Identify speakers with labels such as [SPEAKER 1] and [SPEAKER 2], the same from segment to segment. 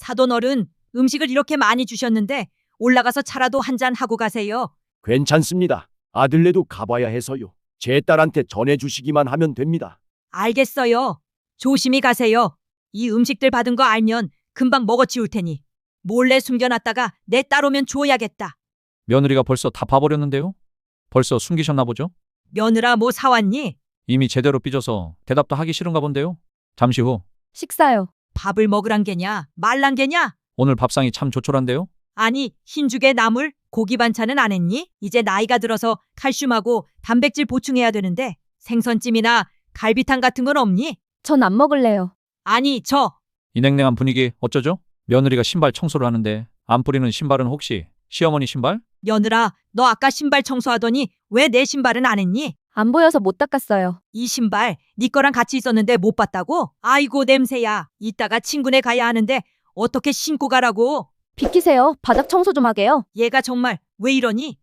[SPEAKER 1] 사돈 어른, 음식을 이렇게 많이 주셨는데 올라가서 차라도 한 잔 하고 가세요.
[SPEAKER 2] 괜찮습니다. 아들네도 가봐야 해서요. 제 딸한테 전해주시기만 하면 됩니다.
[SPEAKER 1] 알겠어요. 조심히 가세요. 이 음식들 받은 거 알면 금방 먹어치울 테니 몰래 숨겨놨다가 내 딸 오면 줘야겠다.
[SPEAKER 3] 며느리가 벌써 다 봐버렸는데요? 벌써 숨기셨나 보죠?
[SPEAKER 1] 며느라 뭐 사왔니?
[SPEAKER 3] 이미 제대로 삐져서 대답도 하기 싫은가 본데요? 잠시 후
[SPEAKER 4] 식사요.
[SPEAKER 1] 밥을 먹으란 게냐? 말란 게냐?
[SPEAKER 3] 오늘 밥상이 참 조촐한데요?
[SPEAKER 1] 아니, 흰죽에 나물, 고기 반찬은 안 했니? 이제 나이가 들어서 칼슘하고 단백질 보충해야 되는데 생선찜이나 갈비탕 같은 건 없니?
[SPEAKER 4] 전 안 먹을래요.
[SPEAKER 1] 아니,
[SPEAKER 3] 이 냉랭한 분위기 어쩌죠? 며느리가 신발 청소를 하는데 안 뿌리는 신발은 혹시 시어머니 신발?
[SPEAKER 1] 며느라, 너 아까 신발 청소하더니 왜 내 신발은 안 했니?
[SPEAKER 4] 안 보여서 못 닦았어요.
[SPEAKER 1] 이 신발 네 거랑 같이 있었는데 못 봤다고? 아이고 냄새야. 이따가 친구네 가야 하는데 어떻게 신고 가라고?
[SPEAKER 4] 비키세요. 바닥 청소 좀 하게요.
[SPEAKER 1] 얘가 정말 왜 이러니?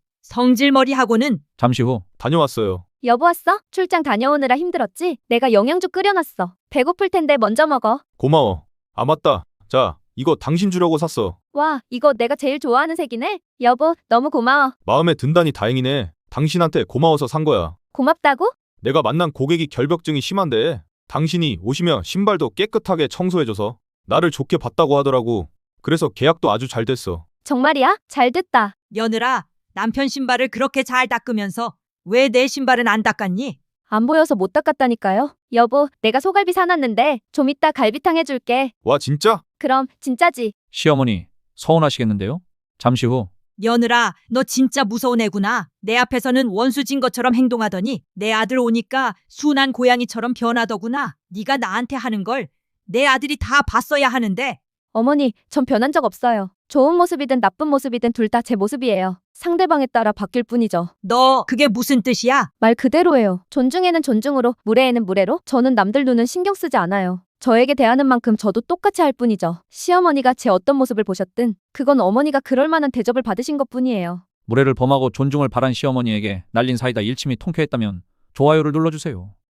[SPEAKER 1] 성질머리하고는.
[SPEAKER 3] 잠시 후
[SPEAKER 5] 다녀왔어요.
[SPEAKER 4] 여보 왔어? 출장 다녀오느라 힘들었지? 내가 영양주 끓여놨어. 배고플 텐데 먼저 먹어.
[SPEAKER 5] 고마워. 아, 맞다. 자, 이거 당신 주려고 샀어.
[SPEAKER 4] 와, 이거 내가 제일 좋아하는 색이네. 여보, 너무 고마워.
[SPEAKER 5] 마음에 든다니 다행이네. 당신한테 고마워서 산 거야.
[SPEAKER 4] 고맙다고?
[SPEAKER 5] 내가 만난 고객이 결벽증이 심한데 당신이 오시면 신발도 깨끗하게 청소해줘서 나를 좋게 봤다고 하더라고. 그래서 계약도 아주 잘 됐어.
[SPEAKER 4] 정말이야? 잘 됐다.
[SPEAKER 1] 며느라, 남편 신발을 그렇게 잘 닦으면서 왜 내 신발은 안 닦았니?
[SPEAKER 4] 안 보여서 못 닦았다니까요. 여보, 내가 소갈비 사놨는데 좀 이따 갈비탕 해줄게.
[SPEAKER 5] 와, 진짜?
[SPEAKER 4] 그럼 진짜지?
[SPEAKER 3] 시어머니 서운하시겠는데요? 잠시 후
[SPEAKER 1] 며느라, 너 진짜 무서운 애구나. 내 앞에서는 원수진 것처럼 행동하더니 내 아들 오니까 순한 고양이처럼 변하더구나. 네가 나한테 하는 걸 내 아들이 다 봤어야 하는데.
[SPEAKER 4] 어머니, 전 변한 적 없어요. 좋은 모습이든 나쁜 모습이든 둘 다 제 모습이에요. 상대방에 따라 바뀔 뿐이죠.
[SPEAKER 1] 너 그게 무슨 뜻이야?
[SPEAKER 4] 말 그대로예요. 존중에는 존중으로, 무례에는 무례로. 저는 남들 눈은 신경 쓰지 않아요. 저에게 대하는 만큼 저도 똑같이 할 뿐이죠. 시어머니가 제 어떤 모습을 보셨든 그건 어머니가 그럴 만한 대접을 받으신 것뿐이에요.
[SPEAKER 3] 무례를 범하고 존중을 바란 시어머니에게 날린 사이다 일침이 통쾌했다면 좋아요를 눌러주세요.